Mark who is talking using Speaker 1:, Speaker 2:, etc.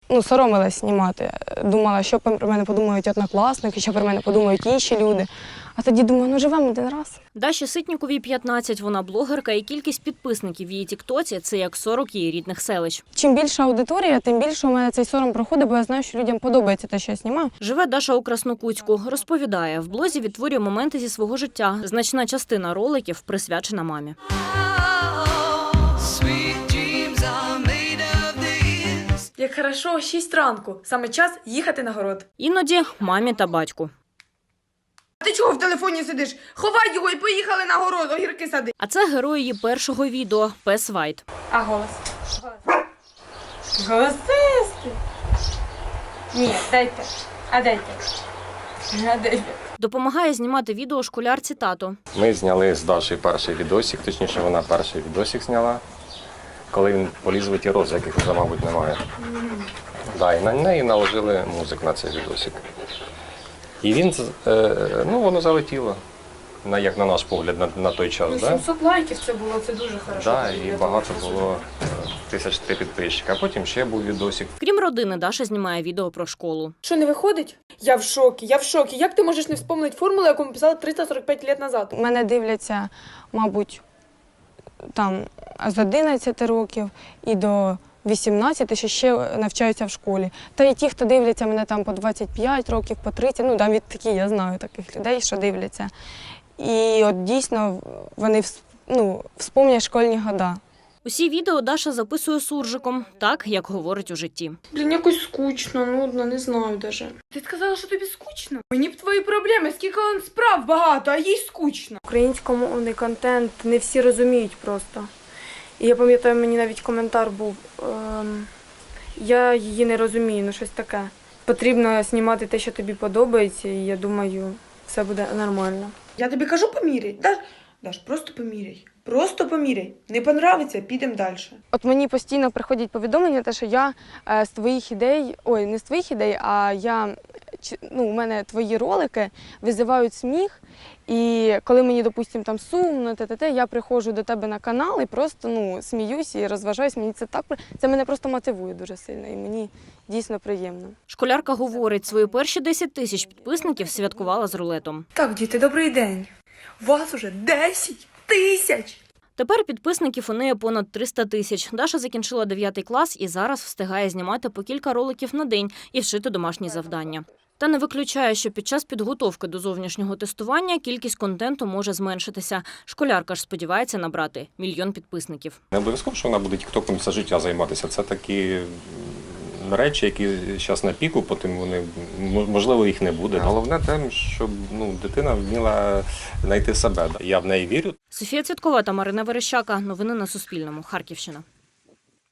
Speaker 1: соромилась знімати. Думала, що про мене подумають однокласники, що про мене подумають інші люди. А тоді думаю, живемо один раз.
Speaker 2: Даші Ситніковій 15, вона блогерка, і кількість підписників в її тіктоці – це як 40 її рідних селищ.
Speaker 1: Чим більша аудиторія, тим більше у мене цей сором проходить, бо я знаю, що людям подобається те, що я знімаю.
Speaker 2: Живе Даша у Краснокутську. Розповідає, в блозі відтворює моменти зі свого життя. Значна частина роликів присвячена мамі.
Speaker 3: Як хорошо, 6 ранку. Саме час їхати на город.
Speaker 2: Іноді мамі та батьку.
Speaker 3: А ти чого в телефоні сидиш? Ховай його і поїхали на город, огірки сади.
Speaker 2: А це герой її першого відео – пес Вайт.
Speaker 3: А голос? Голосисти. Ні, дайте. А дайте. А дайте.
Speaker 2: Допомагає знімати відео школярці тато.
Speaker 4: Ми зняли з Дашею перший відосик, точніше вона перший відосик зняла, коли він поліз в ті рози, яких вже, мабуть, немає. Да, і на неї наложили музик на цей відосик. І він, воно залетіло, як на наш погляд, на той час.
Speaker 3: 700 лайків це було, це дуже хорошо.
Speaker 4: Да, і багато було, 1003 підписчика. А потім ще був відосик.
Speaker 2: Крім родини, Даша знімає відео про школу.
Speaker 3: Що, не виходить? Я в шокі. Як ти можеш не вспомнити формулу, яку ми писали 345 років назад?
Speaker 1: Мене дивляться, мабуть, там з 11 років і до 18, що ще навчаються в школі. Та й ті, хто дивляться мене там по 25 років, по 30, навіть такі, я знаю таких людей, що дивляться. І от дійсно вони вспомнять школьні года.
Speaker 2: Усі відео Даша записує суржиком, так, як говорить у житті.
Speaker 3: Блін, якось скучно, нудно, не знаю даже. Ти сказала, що тобі скучно? Мені б твої проблеми, скільки он справ багато, а їй скучно.
Speaker 1: Українськомовний контент не всі розуміють просто. І я пам'ятаю, мені навіть коментар був, я її не розумію, щось таке. Потрібно знімати те, що тобі подобається, і я думаю, все буде нормально.
Speaker 3: Я тобі кажу, поміряй. Даш, просто поміряй. Просто поміряй. Не понравиться, підемо далі.
Speaker 1: От мені постійно приходять повідомлення, що я з твоїх ідей, не з твоїх ідей, а у мене твої ролики визивають сміх. І коли мені, допустимо, там сумно, я приходжу до тебе на канал і просто сміюсь і розважаюсь. Мені це мене просто мотивує дуже сильно і мені дійсно приємно.
Speaker 2: Школярка говорить, свої перші 10 тисяч підписників святкувала з рулетом.
Speaker 3: Так, діти, добрий день. У вас уже 10 тисяч.
Speaker 2: Тепер підписників у неї понад 300 тисяч. Даша закінчила 9 клас і зараз встигає знімати по кілька роликів на день і вшити домашні завдання. Та не виключає, що під час підготовки до зовнішнього тестування кількість контенту може зменшитися. Школярка ж сподівається набрати 1 мільйон підписників.
Speaker 4: Не обов'язково, що вона буде тіктоком все життя займатися. Це такі речі, які зараз на піку, потім вони, можливо, їх не буде. Головне те, щоб дитина вміла знайти себе. Я в неї вірю.
Speaker 2: Софія Цвіткова та Марина Верещака. Новини на Суспільному. Харківщина.